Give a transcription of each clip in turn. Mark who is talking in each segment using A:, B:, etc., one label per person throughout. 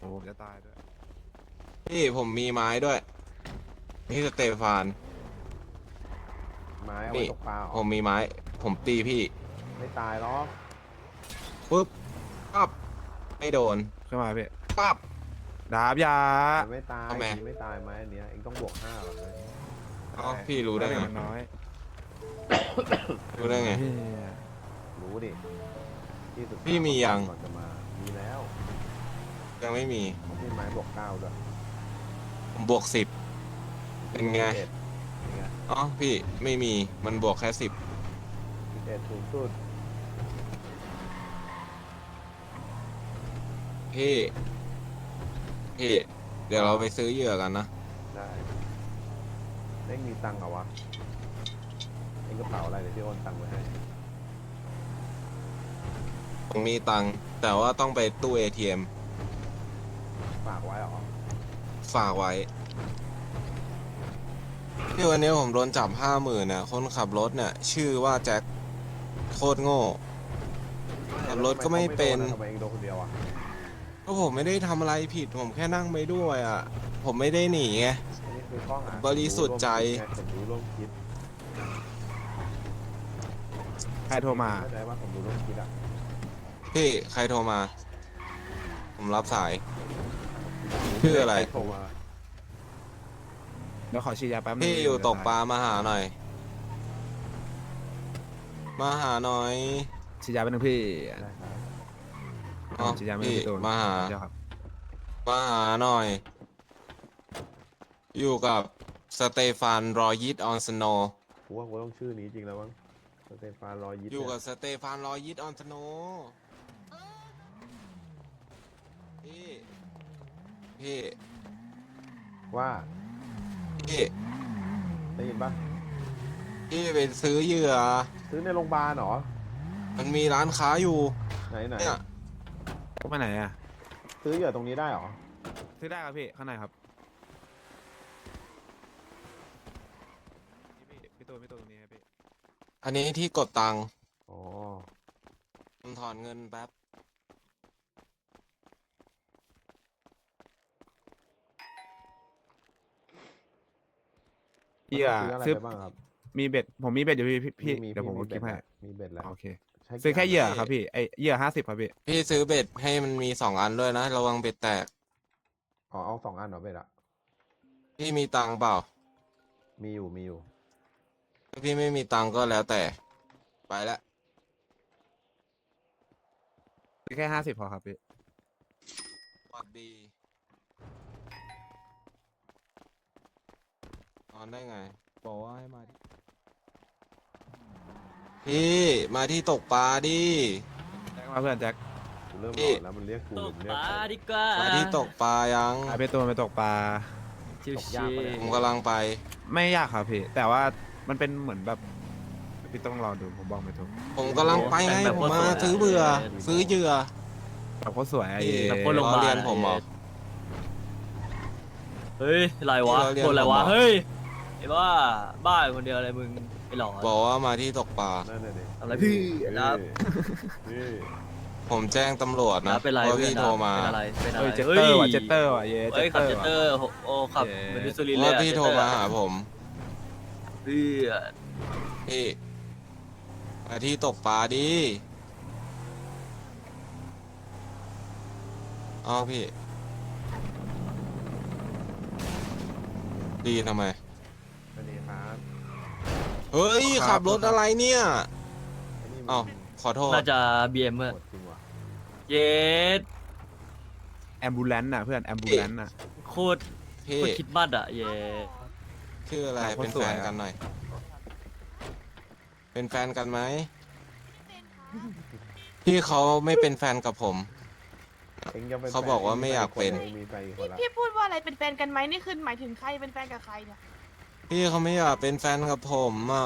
A: โอ้จะตายด้วย
B: พี่ผมมีไม้ด้วยพี่สเตฟาน
C: ไม้เอาไว้
B: นี่
C: ตกปลาเหรอ
B: ผมมีไม้ผมตีพี่
C: ไม่ตายหรอก
B: ปุ๊บปั๊บไม่โดน
A: ขึ้นมาพี่
B: ปั๊บ
A: ดาบยา
C: มันไม่ตาย
B: ทำไม
C: ไม่ตายไม้อันเนี้ยเองต้องบวก5หรอกเลย
B: อ๋อพี่รู้ได้ไง
A: มันน้อย
B: รู้ได้ไง
A: พี่
C: รู้ดิที่สุด
B: พี่มียัง
C: ก่อนจะมามีแล้ว
B: ยังไม่มี
C: ผมมีไม้บวก9ด้วย
B: ผมบวก10เป็นไง
C: 11เป็นไง
B: อ๋อพี่ไม่มีมันบวกแค่10
C: 11สูงสุด
B: พี่พี่เดี๋ยวเราไปซื้อเหยื่อกันนะ
C: ได้เล่งมีตังค์เหรอวะเองกระเป๋าอะไรเดี๋ยวพี่โอนตังค์ไว้ให้
B: ผมมีตังค์แต่ว่าต้องไปตู้ ATM
C: ฝากไว้เหรอ
B: ฝากไว้ที่วันนี้ผมโดนจับ50,000เนี่ยคนขับรถเนี่ยชื่อว่าแจ็คโคตรโง่ขับรถก็ไม่เป็น
C: ทำไมเองโดนคนเดียวอ่ะ
B: ก็ผมไม่ได้ทำอะไรผิดผมแค่นั่งไปด้วยอ่ะผมไม่ได้หนีไง
C: อันนี้คือข้อหา
B: บริสุทธิ์ใจ
C: ผมรู้ร่วมคิด
A: ใครโทรมา
C: เข้าใจว่าผมรู้ร่วมคิดอ่ะ
B: พี่ใครโทรมา ผมรับสาย ชื่ออะไร
C: โทรมา
A: เดี๋ยวขอฉีดยาแป๊บนึง
B: พี่อยู่ตกปลามาหาหน่อย มาหาหน่อย
A: ฉีดยาแป๊บนึงพี่
C: ได้ครับ
B: อ๋อ
A: ฉีดยาไม่
B: พี่
A: ได้โดน
B: มาหา
A: เดี๋ยวครับ
B: มาหาหน่อย อยู่กับสเตฟานรอยิตออนสโน
C: กูว่ากูต้องชื่อนี้จริงแล้วมั้งสเตฟานรอยยิป
B: อยู่กับ
C: เนี่ย
B: สเตฟานรอยิตออนสโนพี่พี่
C: ว่า
B: พี่
C: ได้ยินปะ
B: พี่ไปซื้อเหยื่อ
C: ซื้อในโรงพยาบาลเหรอ
B: มันมีร้านค้าอยู่
C: ไหนไหน
B: เนี่ย
A: ก็ไปไหนอ่ะ
C: ซื้อเหยื่อตรงนี้ได้เหรอ
A: ซื้อได้ครับพี่ข้างในครับนี่พี่ตัวตรงนี้ครับพี่
B: อันนี้ที่กดตังค์
C: อ๋อ
B: ผมถอนเงินแป๊บ
A: เหยื่อ
C: ซื้ออะไร
A: ซื้อ
C: ไปบ้างครับ
A: มีเบ็ดผมมีเบ็ดอยู่พี่
C: มี
A: เดี๋ยวผม
C: มี
A: คิดให้
C: มีเบ็ดแล้ว
A: โอเค
C: ใช้
A: ซื้อแค่เหยื่อ
C: กี่น
A: ครับพี่ไอเหยื่อ50ครับพี่
B: พี่ซื้อเบ็ดให้มันมี2 อันด้วยนะ ระวังเบ็ดแตก
C: อ๋อเอา2 อันเหรอเบ็ดอะ
B: พี่มีตังค์เปล่า
C: มีอยู่
B: ถ้าพี่ไม่มีตังค์ก็แล้วแต่ ไปละ
A: ซื้อแค่50พอครับพี่
B: สวัสดีนอนได้ไง บอกว่าให้มาที่พี่มาที่ตกปลาดิ
A: แจ็คมาเพื่อนแจ็ค
C: กูเริ่ม
B: พี่
C: หลอนแล้วมันเรียกกู
D: ต
C: หรื
D: ก
C: อมันเรี
D: ป
C: ยก
D: ลา
C: ใคร
D: ดีกว่า
B: มาที่ตกปลายัง
A: ไปตัวไปตกปลา
D: ชิว
C: ตกยากปะเนี่ย
B: ผมกำลังไป
A: ไม่ยากครับพี่ แต่ว่ามันเป็นเหมือนแบบพี่ต้องรอดูผมบอกไม่ถูก
B: ผมกำลังไปไงผมมาซื้อเบื่อ ซื้อเหยื่อ
A: แบบโคตรสวยไอ้
B: พี่
D: แบบคนลง
B: ล้
D: มา
B: อเลียนผมเหรอ
D: เฮ้ยอะไรวะ
B: ที่เราเรียน
D: คนอะไรวะ
B: ผมเหรอ
D: เฮ้ยไอ้บ้าบ้าอยู่คนเดียวอะไรมึงไอ้หลอน
B: บอกว่ามาที่ตกปลา
C: นั่นน่ะดิ
D: ทำอะไรพี่นะ
C: นี่
B: ผมแจ้งตำรวจนะ
D: เป็นไร
B: ว่า
D: เพื่อน
B: พี่
D: นะ
B: โทรมา
D: เป็นอะไรเป็นอะ
A: เฮ้
D: ไร
A: ยเจตเตอร์ว่ะเจตเตอร์ว่ะเย่เจ
D: เฮ้ย
A: ตเต
D: ขั
A: อบ ร์
D: เจตเตอ
A: ว่ะ
D: ร์โอ้ขับ
A: เย้
D: เหมือนดิสุรินทร์เล
B: ว่าย
D: อะ
B: พี่โทรมาหาผม
D: เพื่อ
B: พี่มาที่ตกปลาดิอ้าวพี่ ดีทำไม
C: อันนี้ครับ
B: เฮ้ย ขับรถอะไรเนี่ย
C: อันนี้มัน
B: อ้าวขอโทษ
D: น่าจะ BM เมื่อ
C: โหดจริงว่ะ
D: เย็ด
A: แอมบูเลนต์น่ะเพื่อนแอมบูเลนต์น่ะ
D: โคตร
B: พี่
D: โคตรคิดมัดอ่ะเย็ด
B: ชื่ออะไร
A: อ่ะ
B: เป็น
A: คนส
B: แฟ
A: วย
B: น
A: อ่ะ
B: กันหน่อย เป็นแฟนกันไหม พี่เขาไม่เป็นแฟนกับผม
C: เองจะเป็น
B: เขาบอกว่าไม่อยากเป็น
C: เองมีแฟนอีกคนละ
E: พี่พูดว่าอะไรเป็นแฟนกันไหมนี่คือหมายถึงใครเป็นแฟนกับใครเนี่ย
B: พี่เขาไม่อยากเป็นแฟนกับผมอ่ะ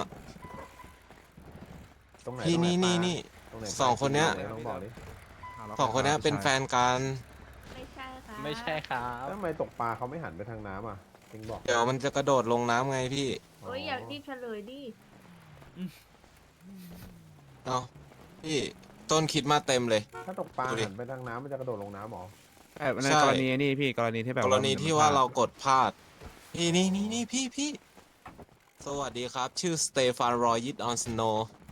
C: ตรงไหน
B: พี่
C: ตรงไห
B: นี่
C: ปลา
B: นี่
C: ตรงไห
B: สองคนเนี้ย
C: ตรงไหต้องบอกดิ
B: สองคนนี้เป็นแฟนกัน
E: ไม่ใช่ค่ะ
D: ไม่ใช่ครับ
C: แล้วทำไมตกปลาเขาไม่หันไปทางน้ำอ่ะเองบอก
B: เดี๋ยวมันจะกระโดดลงน้ำไงพี่
E: โอ้ยอยากรีบเฉลยดิ
B: เอาพี่ต้นคิดมาเต็มเลย
C: ถ้าตกปลา
B: ดูดิ
C: หันไปทางน้ำมันจะกระโดดลงน้ำหรอ
A: แต่ใน
B: ใช่
A: กรณีนี่พี่กรณีที่แบบ
B: กรณีที่ว่า
A: มัน
B: เรากดพลาดนี่พี่สวัสดีครับ ชื่อสเตฟานรอยิตออนสโน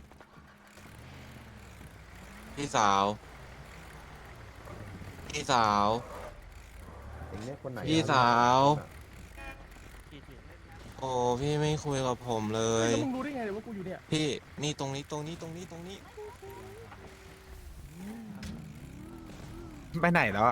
B: พี่สาวพี่สาว
C: เองเนี่ยคนไหน
B: พี่สาว
F: ที่
B: โอ้พี่ไม่คุยกับผมเลย
F: แล้วมึงรู้ได้ไงว่ากูอยู่เนี่ย
B: พี่นี่ตรงนี้
A: ไปไหนแล้วอะ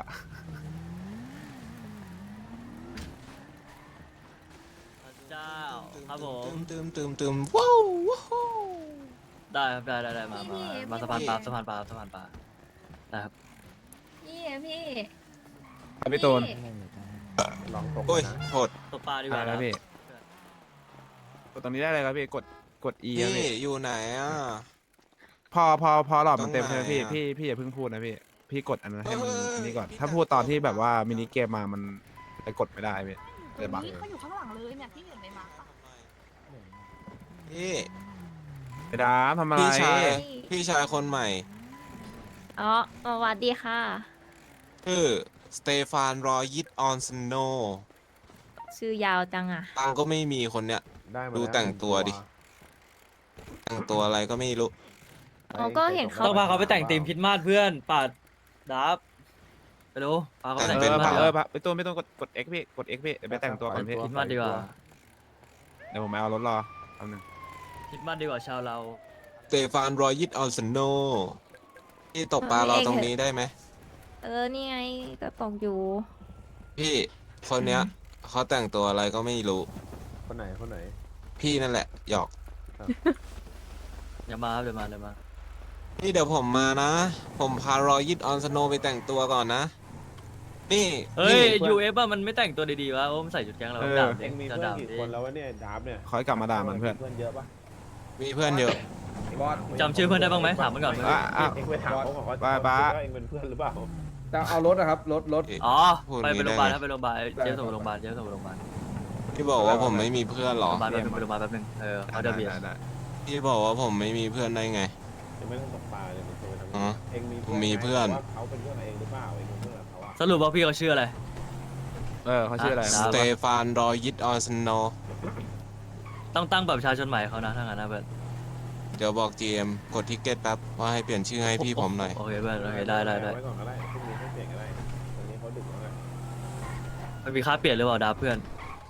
D: พระเจ้าครับผม
B: ตืมว้าวว้าว
D: ได้ครับได้มาสะพานปลาสะพานปลาได้ครับ
G: พี่
A: พี่ตูน
C: ลองตก
B: โอ้ย
C: นะ
B: โทษ
D: ตกปลาดีก
A: ได้
D: ว่า
A: แล้ว
D: นะ
A: พี่กดตรงนี้ได้เลยครับพี่กด E ครับ
B: พี่
A: พี่
B: อยู่ไหนอ่ะ
A: พอหลอดมันเต็ม
B: ตรง
A: ใช่ไหม
B: ไหน
A: พี่
B: อะ
A: พี่อย่าเพิ่งพูดนะพี่กดอันนั้นให้มัน
B: เอ้ย
A: อันนี้ก่อน
B: พี่
A: ถ้าพูดตอนที่แบบว่ามินิเกมมามันจะกดไม่ได้พี่
E: เดี๋
A: เลย ยว บัก
E: นี้เขาอยู่ข้างหลังเลยเนี่ยที่เห็นในมาร์คอะ
B: พี่
A: ไปดามทำอะไร
B: พี่ชายคนใหม่
G: อ๋อสวัสดีค่ะ
B: ชื่อสเตฟานรอยิตออนสโน
G: ชื่อยาวจังอ่ะ
B: ตังค์ก็ไม่มีคนเนี้ย
C: ได้มา
B: ดู
C: ล้ว
B: แต่งตัวดิ แต่งตัวอะไรก็ไม่รู้
G: อ๋อก็เห็นเขา
D: ต้องพาเขาไปแต่งทีมคริดมาสเพื่อนปาดดับไปดูพาเขาไปแต่ง
B: เป็
D: ที
B: น
D: มคริดมาส
A: ไปตูนไม่ต้องกด X พี่กด X พี่เดี๋ยวไปแต่งตัวก่อนพี่
D: คริดมาสดีกว่า
A: เดี๋ยวผมไปเอารถรอแป๊บนึง
D: คริดมาสดีกว่าชาวเรา
B: สเตฟานรอยิตออนสโนพี่ตกปลาเราตรงนี้ได้ไหม
G: นี่ไงก็ตกอยู่
B: พี่คนเนี้ยเขาแต่งตัวอะไรก็ไม่รู้
C: คนไหน
B: พี่นั่นแหละหยอก
D: อย่ามาครับเดี๋ยวมา
B: นี่เดี๋ยวผมมานะ ผมพารอยิตออนสโนไปแต่งตัวก่อนนะ นี่
D: เฮ้ย
B: นี่
D: UF อะมันไม่แต่งตัวดีๆวะโอ้มันใส่ชุดแก๊งเราดาบ
C: เอ
D: เด็ก
C: งมี
D: จะ
C: เพื่อน
D: ดาบ
C: กี่
D: ดิ
C: คนแล้ววะเนี่ยดาบเนี่ย
A: ขอให้กลับมาด่ามันเพื่อน
C: เพื่อนเยอะปะ
B: มีเพื่อนเยอะ
C: บอส
D: จำชื่อเพื่อนได้บ้างไหมถามมันก่อน
C: เองไปถามเขาก่อนเขา
A: บ้า
C: คิดว่าเองเป็นเพื่อนหรือเปล่า
H: จะเอารถนะครับรถ
D: อ๋อ
B: พูด
D: ไป
B: อย่างนี้
D: โรงพยาบาล
B: ได้ไง
D: ครับไปโรงพยาบาลเจ๊ส่งไปโรงพยาบาล
B: พี่บอกว่าผมไม่มีเพื่อนเหรอ
D: โรงพยาบาลแป๊บนึงเขาจะเบียด
A: ได้
B: พี่บอกว่าผมไม่มีเพื่อนได้ไง
C: จะไม่ต้องตกปลาเลยมันจะไปทำ
B: อ๋อ
C: เองมี
B: ผมมีเพื่อน
C: ว่าเขาเป็นเพื่อนเองหรือเปล่าเองเป็นเพื่อนกับเขาอะ
D: สรุปว่าพี่เขาชื่ออะไร
A: เขาชื่ออะไร
D: อ่ะ
B: สเตฟานรอยิตออนสโน
D: ต้องตั้งแบบประชาชนใหม่เขานะถ้างั้นนะเพื่อน
B: เดี๋ยวบอก GM กดทิกเก็ตแป๊บว่าให้เปลี่ยนชื่อให้พี่ผมหน่อย
D: โอเคเพื่อนโอเคได้
C: เอาไว้ก่อนก็ได้พรุ่งนี้ให้เปลี่ยนก็ได้ตอนนี้เขาดึกแล้วไง
D: มันมีค่าเปลี่ยนหรือเปล่าดาบเพื่อน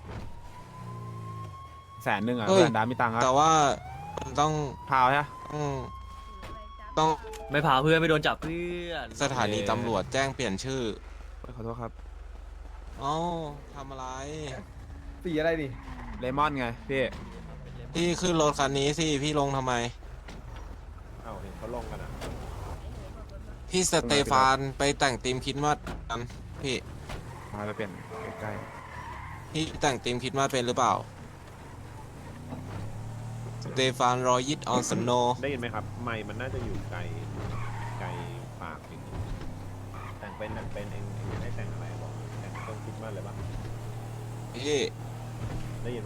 A: 100,000อ่ะ
B: เฮ้ย
A: เพื่อนดามมีตังค์
B: แต่
A: อ่ะ
B: ว่ามันต้อง
A: พาวใช่
B: ต้อง
D: ไม่พาเพื่อนไม่โดนจับเพื่อน
B: สถานีตำรวจแจ้งเปลี่ยนชื่อ
A: ขอโทษครับ
B: เอ้าทำอะไร
H: สีอะไรดิ
A: เลมอนไงพี่
B: พี่ขึ้นรถคันนี้สิ พี่ลงทำไม
C: เอ้าเห็นเขาลงกันอ่ะ
B: พี่สเตฟานไปแต่งทีมคริดมาสกันพี่
A: พาไปเปลี่ยนใกล้
B: พี่แต่งทีมคริดมาสเป็นหรือเปล่าสเตฟานรอยิตออนสโน
C: ได้ยินไหมครับไมค์มันน่าจะอยู่ไกลปากนิดนึงแต่งเป็นเองให้แต่งอะไรบอกแต่งต้องคิดมากเลยปะ
B: พี่
C: ได้ยินไหม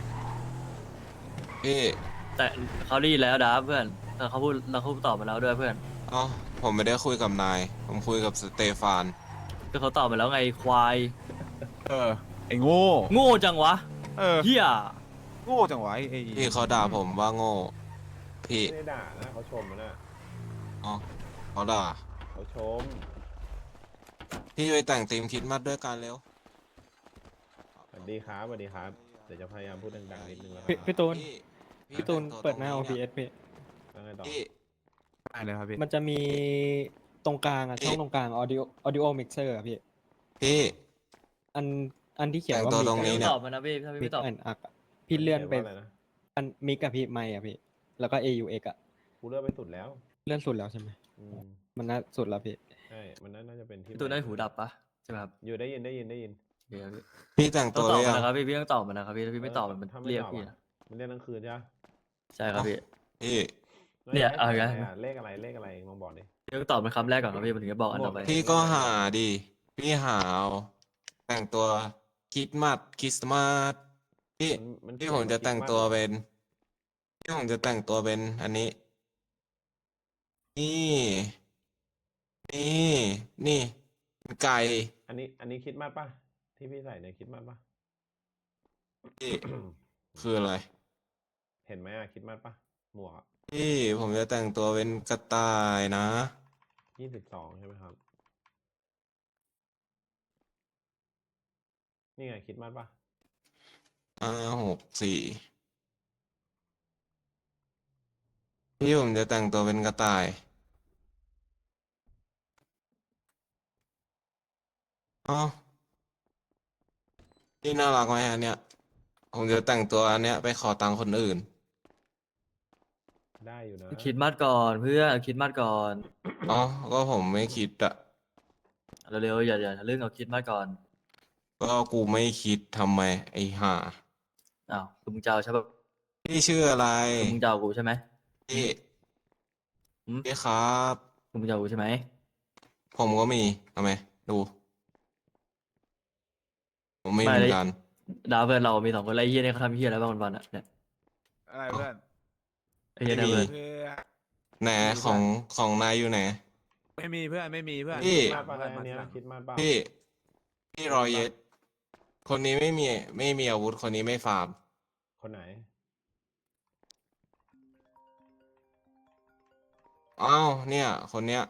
B: พี่
D: แต่เขาได้ยินแล้วดาบเพื่อนแต่เขาพูดตอบมาแล้วด้วยเพื่อน
B: เอ้าผมไม่ได้คุยกับนาย ผมคุยกับสเตฟาน
D: คือเขาตอบมาแล้วไงควาย
A: ไอ้โง่
D: โง่จังวะ เฮีย
A: โง่จังวะไอ้
B: พี่เขาด่าผมว่าโง่ พี่
C: ไม่ได้ด่านะเขาชมนะ
B: อ๋อเขาด่า
C: เขาชม
B: พี่ไปแต่งทีมคริดมาสด้วยกันเร็ว
C: สวัสดีครับเดี๋ยวจะพยายามพูดดังๆนิดนึงแล้วค
F: พี่
C: รับ
F: พี่ตูน
B: พี่
F: พี่ตูน
B: แต่งตัว
F: เปิดหน้า
B: ตรง
F: OBS พี่
C: แล้วไงต่อ
B: พี่
A: ได้เลยครับพี่
F: มันจะมีตรงกลางอ่ะ
B: พี่
F: ช่องตรงกลาง audio mixer อ่ะพี่
B: พี่
F: อันที่เขียนว่า
B: แต่งตัว
F: มิก
B: ตรงนี้
F: อะ
B: เนี่ย
D: ตอบมานะพี่ถ้าพี่
F: มิ
D: ไม่
F: ก
D: ตอบ
F: อันอักอะพี่เลื่อนไป
C: ว่าอะไรนะ
F: อันมิกกับพี่ไม่อะพี่ แล้วก็ AUX อ่ะ
C: กูเลือกไปสุดแล้ว
F: เลื่อนสุดแล้วใช่ไหม
C: อืม
F: มันน่าสุดแล้วพี่
C: ใช่มันน่าจะเป็นที่
D: พี่ตูนได้หูดับปะใช่ไหมครับ
C: อยู่ได้ยิน
D: โอเคครับพี่
B: พี่แต่ง
D: ต้อ
B: ตั
D: ง
B: ว
D: ตอบ
B: หรือ
D: มา
B: ยัง
D: นะครับพี่ต้องตอบมานะครับพี่ถ้าพี่ไม่ตอบมัน
C: ถ้าไม่
D: เรียก
C: ตอบ
D: พี่
C: อะ
D: นะ
C: มันเรียกกลางคืนใช่ไหม
D: ใช่ครับพี่
B: พี่
D: เนี่ยเอาอีก
C: เล
D: แล้ว
C: เลขอะไรลองบอกดิ
D: พี่ต้องตอบเป็นคำแรกก่อนครับพี่มันถึงจะบอกอันต่อไป
B: พี่ก็หาดิ พี่หาเอาแต่งตัวคริดมาสพี่
C: มัน
B: พี่ผมจะแต่งตัวเป็นพี่ผมจะแต่งตัวเป็นอันนี้ นี่ นี่ไก่
C: อันนี้คิดมากปะที่พี่ใส่เนี่ยคิดมากปะ
B: พี่คืออะไร
C: เห็นไหมอะคิดมากปะหมวกอะ
B: พี่ผมจะแต่งตัวเป็นกระต่ายนะ
C: 22ใช่ไหมครับ นี่ไงคิดมากปะ
B: 564พี่ผมจะแต่งตัวเป็นกระต่ายอ๋อนี่น่ารักไหมอันเนี้ยผมจะแต่งตัวอันเนี้ยไปขอตังค์คนอื่น
C: ได้อยู่นะ
D: คิดมัดก่อนเพื่อนคิดมัดก่อน
B: อ๋อก็ผมไม่คิดอะ
D: เร็วๆอย่าเรื่องเอาคิดมัดก่อน
B: ก็กูไม่คิดทำไมไอ้ห่า
D: อ้าวคือมึงจะเอาใช่ปะ
B: พี่ชื่ออะไร
D: คือมึงจะเอากูใช่ไหม
B: พี่
D: อืม
B: พี่ครับ
D: คือมึงจะเอากูใช่ไหม
B: ผมก็มีทำไมดู ผมมีเหมือนกัน
D: ดาวเพื่อนเรามี2 คนไล่เฮียเนี่ยเขาทำเฮียอะไรบ้างวันๆอ่ะเนี่ย
A: อะไรเพื่อน
D: ไอ้เฮียเนี่ยเพื่อน
A: เพื่อน
B: ไหนของนายอยู่ไหน
A: ไม่มีเพื่อนไม่มีเพื่อน
B: พี่
C: คิดมากปะอันเนี้ยคิดมากปะ
B: พี่รอยเย็ดคนนี้ไม่มีอาวุธคนนี้ไม่ฟาร์ม
C: คนไหน
B: อ้าวเนี่ย คนเนี้ย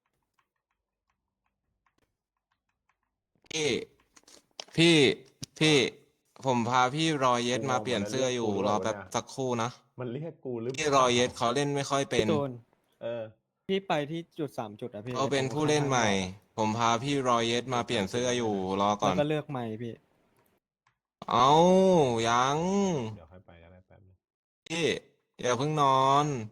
B: พี่ผมพาพี่รอยเย็ดมาเปลี่ยนเสื้ออยู่รอแป๊บสักครู่นะ
C: มันเรียกกูหรือเป
B: พี่
C: ล่าร
B: อยเย็ดเขาเล่นไม่ค่อยเป็น
F: พี่ตูน
C: เออ
F: พี่ไปที่จุด3 จุดอะพี่
B: เขาเป็นผู้เล่นใหม่ ผมพาพี่รอยเย็ดมาเปลี่ยนเสื้ออยู่รอก่
F: แล้
B: อ
F: วน ก็เลือกไม้พี่
B: เอายัง
C: เดี๋ยวค่อยไปก็ได้แป๊บนึง
B: พี่อย่าเพิ่งนอน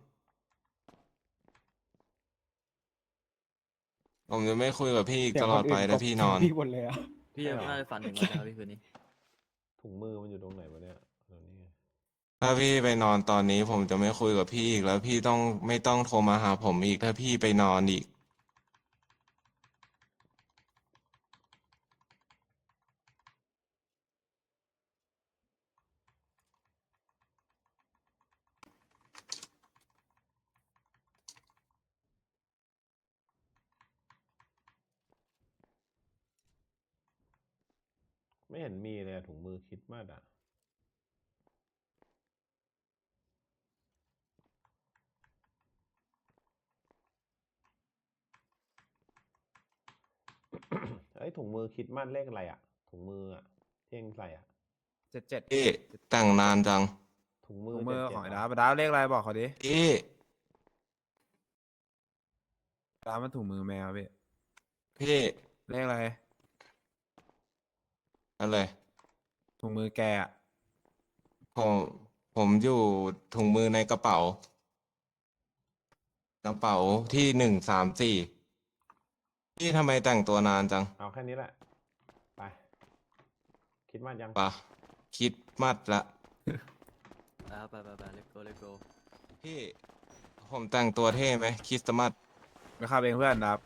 B: ผมจะไม่คุยกับพี่อีก
F: เสีย
B: ต
F: ง
B: ลอดไป
F: คนอื่น
B: ถ้าพี่นอน
F: พี่หมดเลยอะ
D: พี่ยังน่าจะฝันถึงวันนะครับพี่คืนนี้
C: ถุงมือมันอยู่ตรงไหนวะเนี่ยตรงนี้ไง
B: ถ้าพี่ไปนอนตอนนี้ผมจะไม่คุยกับพี่อีกแล้วพี่ไม่ต้องโทรมาหาผมอีกถ้าพี่ไปนอนอีก
C: ไม่เห็นมีเลยอะถุงมือคิดมากอะ เอ้ยถุงมือคิดมากเลขอะไรอะถุงมืออะที่เองใส่อะ
A: 77
B: พี่แต่งนานจัง
C: ถุงมือ
A: ถุงมือ
C: 77
A: ของไอ้
C: เหร
A: ดาวเลขอะไรบอกเขาดิ
B: พี่
A: ดาวมันถุงมือแมวพี่
B: พี่
A: เลขอะไร
B: อะไร
A: ถุงมือแกอะ
B: ผมอยู่ถุงมือในกระเป๋า กระเป๋าที่134พี่ทำไมแต่งตัวนานจัง
C: เอาแค่นี้แหละ ไป คิดมากยัง
B: ปะคิดมัดละ
D: แล้วไปเลโก้
B: พี่ ผมแต่งตัวเท่ไหมคริสต์มาส
A: ไปขับเองเพื่อนครับ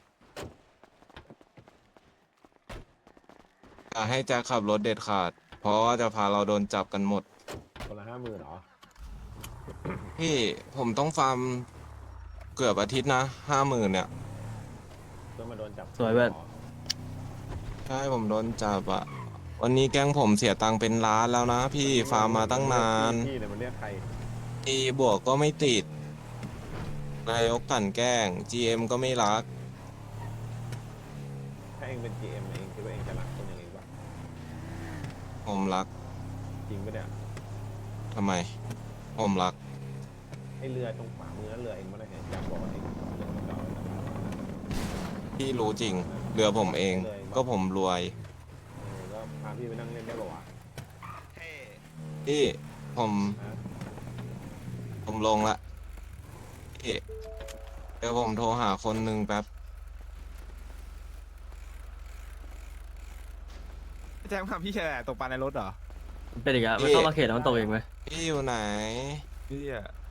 B: อย่าให้แจ็คขับรถเด็ดขาด เพราะว่าจะพาเราโดนจับกันหมด
C: คนละ50,000เหรอ
B: พี่ผมต้องฟาร์มเกือบอาทิตย์นะ50,000เนี่ย
C: เพื่อมาโดนจับ
D: สวยเว้ย
C: หรอ
B: ใช่ผมโดนจับอะวันนี้แก๊งผมเสียตังค์เป็นล้านแล้วนะพี่ฟาร์มมาตั้งนาน
C: พี่เนี่ยมันเรียกใคร
B: อีบวกก็ไม่ติด นายกกลั่นแกล้ง GM ก็ไม่รัก
C: ถ้าเองเป็น GM เองคิดว่าเองจะรักคนอย่างเองปะ
B: ผมรัก
C: จริงปะเนี่ย
B: ทำไม ผมรัก
C: ไอเรือตรงขวามือนั่นเรือเองไม่ได้เห็นอยากบอกว่าเองเรือเก่าๆเลยนะ
B: พี่รู้จริง เรือผมเอง ก็ผมรวย
C: ก็พาพี่ไปนั่งเล่นได้ป่าวะ
B: พี่ผม
C: ฮะ
B: ผมลงละพี่เดี๋ยวผมโทรหาคนหนึ่งแป๊บ
A: แจ้งความพี่แชร์ตกปลาในรถเหรอ
D: เป็นอีกอะมันเข้ามาเขตแล้วมันตกเองไหม
B: พี่อยู่ไหน
A: พี่อะ